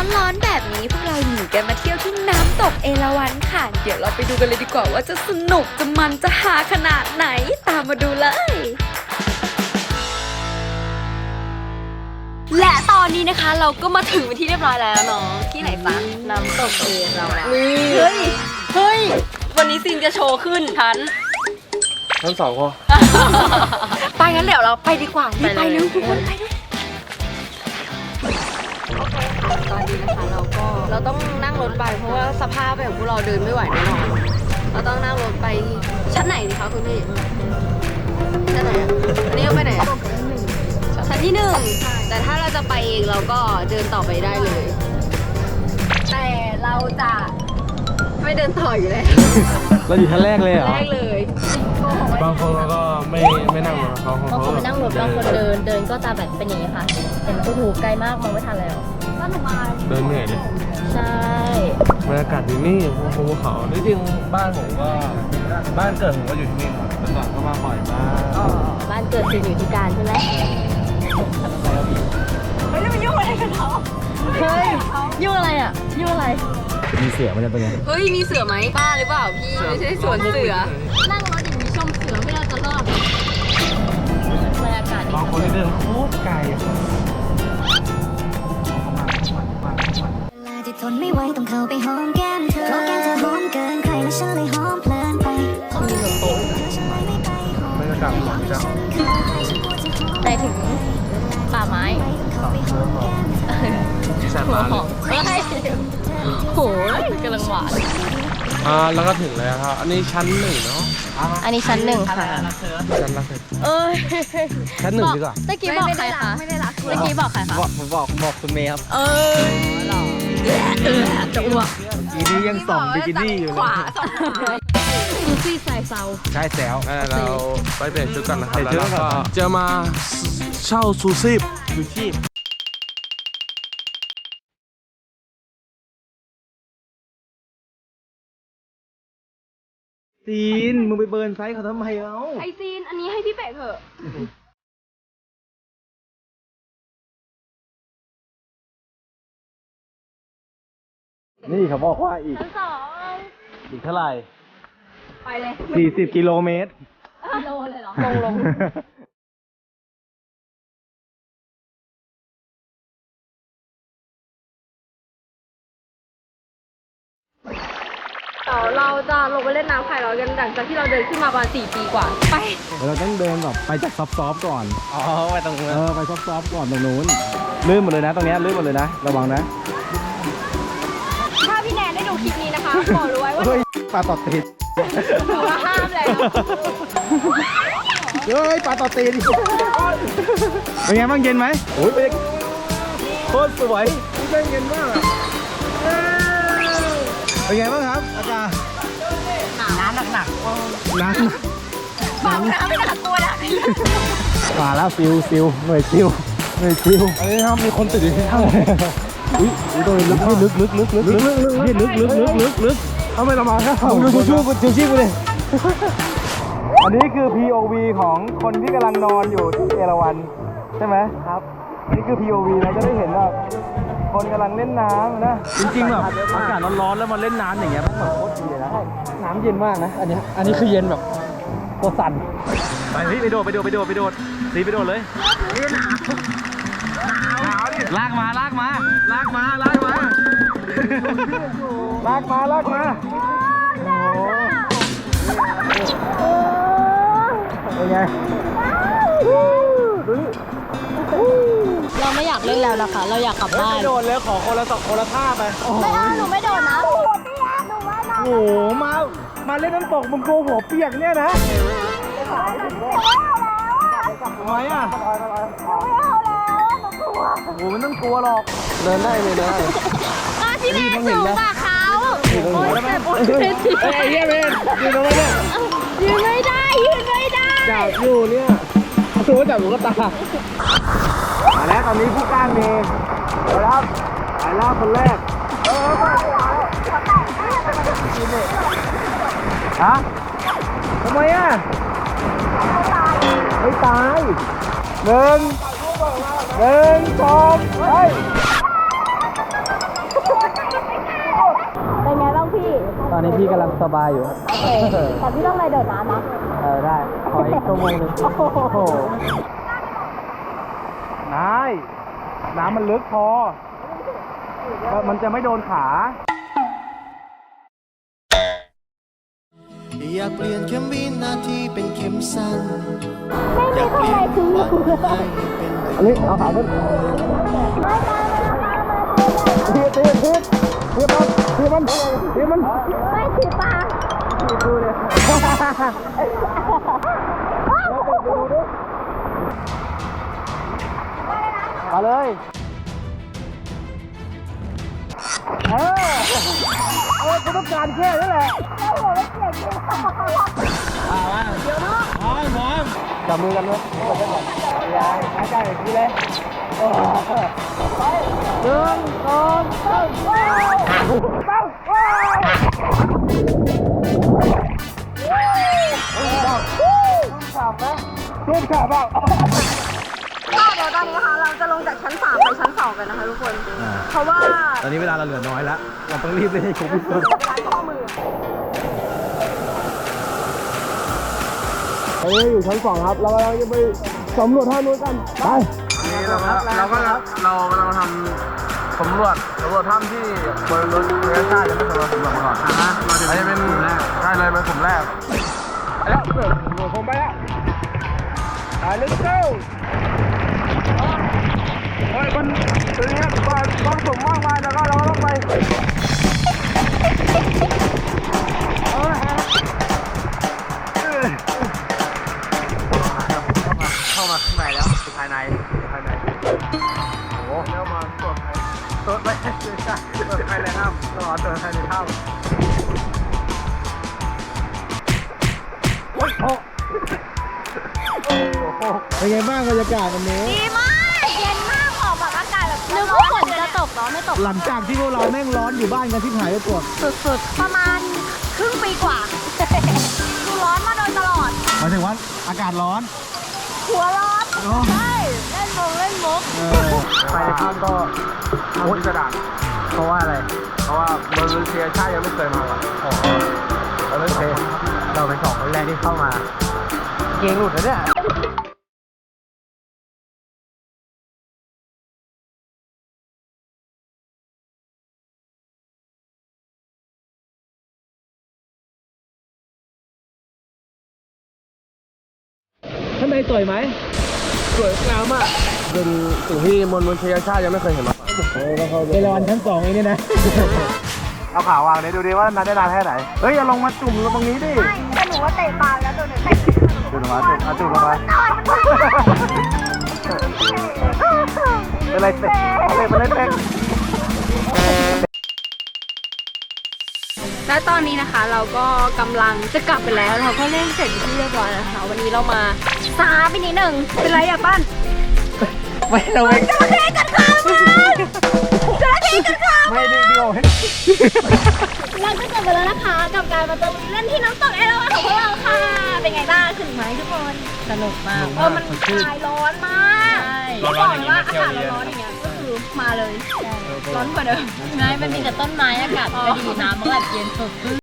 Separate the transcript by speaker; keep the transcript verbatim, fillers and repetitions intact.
Speaker 1: ร้อนๆแบบนี้พวกเราหนีกันมาเที่ยวที่น้ำตกเอราวัณค่ะเดี๋ยวเราไปดูกันเลยดีกว่าว่าจะสนุกจะมันจะหาขนาดไหนตามมาดูเลยและตอนนี้นะคะเราก็มาถึงที่เรียบร้อยแล้วเนาะที่ไหนจ๊ะน้ำตกเอราวัณเฮ้ยเฮ้ยวันนี้ซินจะโชว์ขึ้นทัน
Speaker 2: ทั้งสองคน
Speaker 1: ไปงั้นเดี๋ยวเราไปดีกว่าไปเร็วทุกคนไปดูตอนนี้นะคะเราก็เราต้องนั่งรถไปเพราะว่าสภาพแบบพวกเราเดินไม่ไหวแน่นอนเราต้องนั่งรถไปชั้นไหนดีคะคุณพี่ชั้นไหนอ่ะอันนี้เราไปไหนอ่ะชั้นที่หนึ่งแต่ถ้าเราจะไปเองเราก็เดินต่อไปได้เลยแต่เราจะไม่เดินต่ออยู่แล้ว
Speaker 2: เราอยู่ชั้นแรกเลยเหรอ
Speaker 1: แรกเลย
Speaker 2: บางคนเขาก็ไม่ไม่นั่งรถเขา
Speaker 3: บางคนไม่นั่งรถบางคนเดินเดินก็จะแบบเป็นอย่างนี้ค่ะเห็นโอ้โหไกลมากมองไม่ทันแล้วก็หนูมา
Speaker 2: เดินเหนื่อยเลย
Speaker 3: ใช่
Speaker 2: บรรยากาศที่นี่ภูเขาจริงๆบ้านผมก็บ้านเกิดผมก็อยู่ที่นี่ครับแต่ก่อนก็มาบ่อยมาก
Speaker 3: อ๋อบ้านเกิดอยู่ที่การใช่ไหม
Speaker 1: เฮ้ยมันยุ่งอะไรกันเขา
Speaker 3: เฮ้ยยุ่งอะไรอ่ะยุ่งอะไร
Speaker 2: มีเสือมันจะเป็นไง
Speaker 1: เฮ้ยมีเสือไหมบ้าหรือเปล่าพี่ไม่ใช่สวนเสือ
Speaker 3: นั่งรถอย่างนี้ชมเสือไม่น่าจะรอดบรรยากาศ
Speaker 2: บางคนเดินโคตรไกล
Speaker 4: ที่ทนไม่ไหวต้องเข้าไปหอมแก้มเธอเพราะแก้มเธอหอมเกินใครและฉันเลยหอมเพลินไป
Speaker 2: มีลมโตบรรยากาศหลังจาก
Speaker 3: ไปถึงป่าไม้
Speaker 2: แซ่บมาก
Speaker 3: เลยโหกำลังหวาน
Speaker 2: อ่าแล้วก็ถึงแล้วครับอันนี้ชั้นหนึ่งเนาะ
Speaker 3: อันนี้ชั้นหนึ่งค่ะ
Speaker 2: ชั้นละ
Speaker 3: เอ้ย
Speaker 2: ชั้นหนึ่งดีกว่า
Speaker 3: ตะกี้บอกใครคะ
Speaker 1: ไม่ได้รัก
Speaker 3: ตะกี้บอกใครคะ
Speaker 2: บอกผมบอกบอกคุณเมย์ครับ
Speaker 3: เออหรอเออจะอ้วก
Speaker 2: อีนี้ยังส่องบิกินี่อยู่เลย
Speaker 3: ซูซี่ใส่เซา
Speaker 2: ใช่แซวเราไปเปลี่ยนชุดกันนะครับแล้วก็จะมาเช่าซูซี่ซูชีพซีนมึงไปเบิร์นไซส์เขาทำไมเอ้า
Speaker 1: ไอซีนอันนี้ให้พี่เป็ดเถอะ
Speaker 2: นี่เขาบอกว่าอีก
Speaker 3: ชั้นสอง
Speaker 2: อีกเท่าไหร่
Speaker 1: ไปเลย
Speaker 2: สี่สิบกิโลเมตร
Speaker 3: กิโลเลยเหรอลงลง
Speaker 1: เราจะลงไปเล่นน้ำไข่ร้อนกันหลังจากที่เราเดินขึ้นมาประมาณสี่ปีกว่าไป
Speaker 2: เราต้องเดินแบบไปจากซอฟต์ๆก่อนอ๋อไปตรงนู้นเออไปซอฟต์ๆก่อนตรงนู้นลื่นหมดเลยนะตรงนี้ลื่นหมดเลยนะระวังนะ
Speaker 1: ถ้าพี่แนนได้ดูคลิปนี้นะคะบอกรู้ไว้ว่า
Speaker 2: ปลาตอดตีน
Speaker 1: ถือว่าห้ามเลย
Speaker 2: เฮ้ยปลาตอดตีนเป็นไงบ้างเย็นไหมโอ้ยเป็นโคตรสวยนี่เย็นมากเป็นไงบ้างครับอาจารย์
Speaker 1: น้ำหนัก
Speaker 2: ๆน้ำ
Speaker 1: บอกน้ำไม่หนักตัวนะ
Speaker 2: มาแล้วฟิวฟิวหน่วยฟิวหน่วยฟิวอันนี้ครับมีคนติดอยู่ที่ข้างอุ้ยตัวลึกลึกลึกลึกลึกลึกลึกลึกลึกลึกลึกลึกทำไมเรามาแค่ดูดูชูกูชูชีกูเลยอันนี้คือ พี โอ วี ของคนที่กำลังนอนอยู่ที่เอราวัณใช่ไหมครับนี่คือ พี โอ วี เราจะได้เห็นแบบคนกำลังเล่นน้ำนะจริงๆแบบอากาศร้อนๆแล้วมาเล่นน้ำอย่างเงี้ยมันแบบโคตรดีเลยนะน้ำเย็นมากนะอันนี้อันนี้คือเย็นแบบตัวสั่นไปพี่ไปโดดไปโดดไปโดดไปโดดตีไปโดดเลยหนาวดิลากมาลากมาลากมาลากมาลากมาลากมาเป็นไง
Speaker 3: เราไม่อยากเล่นแล้วนะคะเราอยากกลับบ้าน
Speaker 2: ไม่โดนแล้วขอคนละสองคนละท่าไป
Speaker 3: ไม่เอาหนูไม่โดนนะ
Speaker 2: โอ้โหมามาเล่นน้ำตกมึงโกหัวเปียกเนี่ยนะทำไมอ่ะโอ้โหมันต้องกลัวหรอกเดินได้เลยนะ
Speaker 3: พี่เมย์สูงกว่าเขาโอ้ยแต่โอ้ยเมย์สิ
Speaker 2: เฮ้ยเมย์ยืนตรงนี้
Speaker 3: ยืนไม่ได้ยืนไม่ได้
Speaker 2: จับอยู่เนี่ยตัวจับอยู่ก็ตามาแล้วตอนนี้ผู้กล้าเมย์ไปแล้วไปแล้วคนแรกฮะทำไมอ่ะไม่ตายหนึ่งหนึ่งสองไปตอนนี้พี่กำลังสบายอยู่ครับ
Speaker 3: โอเคแต่พี่ต้องไปโดดน้ำนะ
Speaker 2: เออได้ขออีกชั่วโมงหนึงโอ้โหนายน้ำมันลึกพอมันจะไม่โดนขา
Speaker 5: อยากเปลี่ยนเข็มวินาทีเป็นเข็มสั้น
Speaker 3: ไม่มีคนไหนถึงอยู่เลย
Speaker 5: ให้เป็น
Speaker 2: อันนี้เอาขาขึ้นเทียบเทียบเทียบเทียบมันเทียบมันเทียบมัน
Speaker 3: ไม่ถือปลา
Speaker 2: ดูเลยมาเลยเออเอาคุณต้องการแค่นี้แหละเดี๋ยวนะพร้อมพร้อมจับมือกันเลยยายหายใจอีกทีเลยหนึ่งสองสามตั้งว้าวขาบไหมร่วมขาบเปล่า
Speaker 1: ค่ะเดี๋ยวตอนนี้นะคะเราจะลงจากชั้นสามไปชั้นสองกันนะคะทุกคน เพราะว่า
Speaker 2: ตอนนี้เวลาเราเหลือน้อยแล้ว เราต้องรีบเล่นให้ครบที่สุด
Speaker 1: ร้านข้อมือ
Speaker 2: ตอนนี้อยู่ชั้นสองครับ เรากำลังจะไปสำรวจท่านู้นกัน ไป
Speaker 6: นี่เราก็เราก็เราเราทำสำรวจสำรวจถ้ำที่บริเวณเรือชาติยังไม่เคยมาสำรวจมาก่อนอ่าเราจะเป็นกลุ่มแรกใช่เลยเป็นกลุ่มแรก
Speaker 2: ไปแล้วเสือหนูผมไปแล้วไป let's go เฮ้ยมันเป็นอย่างเงี้ยความความสมมากมายแล้วก็เราก็ต้องไปเอาละฮะเออ
Speaker 6: เข้ามาข้างในแล้วภายในภายในโอ้แล้วมาตรวจภายตรวจไม่ใช่ตรวจภายในถ้ำเราตรวจภายในถ้ำ
Speaker 2: โอ้โหเป็นไงบ้างบรรยากาศวันนี้
Speaker 3: ดีมาก เย็นมากออกแบบอากาศแบบนึกว่าฝนจะตกเนาะไม่ตก
Speaker 2: หลังจากที่พวกเราแม่งร้อนอยู่บ้านกันที่หายไปกด
Speaker 3: สุดๆ ประมาณครึ่งปีกว่า ดูร้อนมาโดยตลอด
Speaker 2: หมายถึงว่าอากาศร้อน
Speaker 3: หัวร้อนใช่เล่นมงเล่นมุก
Speaker 6: ภายในถ้ำก็ทำพิสดาร
Speaker 2: เพราะว่าอะไร
Speaker 6: เพราะว่าบริเวณเรือชาติยังไม่เคยมาก่อน
Speaker 2: อ๋อเราเป็นเราเป็นสองคนแรกที่เข้ามา เกงหลุดแล้วเนี่ยข้างในสวยไหม
Speaker 6: สวยงามมากเป็นสิ่งที่มวลมนุษยชาติยังไม่เคยเห็นมาก่อน
Speaker 2: เอราวัณชั้นสองเองเนี่ยนะ เอาขาวางเลยดูดิว่านานได้นานแค่ไหน เฮ้ยอย่าลงมาจุ่มลงตรงนี้ดิ
Speaker 3: ไม่แต่หนูว่าเตะปลาแล้วตัวหนึ่งเตะ
Speaker 2: จุ่มลงมาจุ่มเอาจุ่มลงมาเป็นไรเตะเป็นไรเตะ
Speaker 1: และตอนนี้นะคะเราก็กำลังจะกลับไปแล้วเราก็เล่นเสร็จเป็นที่เรียบร้อยแล้วนะคะวันนี้เรามาซาไปนิดหนึ่งเป็นไรอะปั้น
Speaker 2: ไม่เราไม่
Speaker 1: จระเข้กัดขามันจระเข้กัดขา
Speaker 2: ไม่ดิเดียว
Speaker 3: เราก็จบไปแล้วนะคะกับการมาตะลุยเล่นที่น้ำตกเอราวัณของพวกเราค่ะ เป็นไงบ้างถึงไหมทุกคนสนุกมากเออมันคลายร้อนมากร้อนอย่างนี้มาเที่ยวดีร้อนอย่างเงี้ยก็คือมาเลยร้อนกว่าเดิม
Speaker 7: ง่ายมันมีแต่ต้นไม้อากาศไม่ดีน้ำมันก็แบบเย็นสดชื่น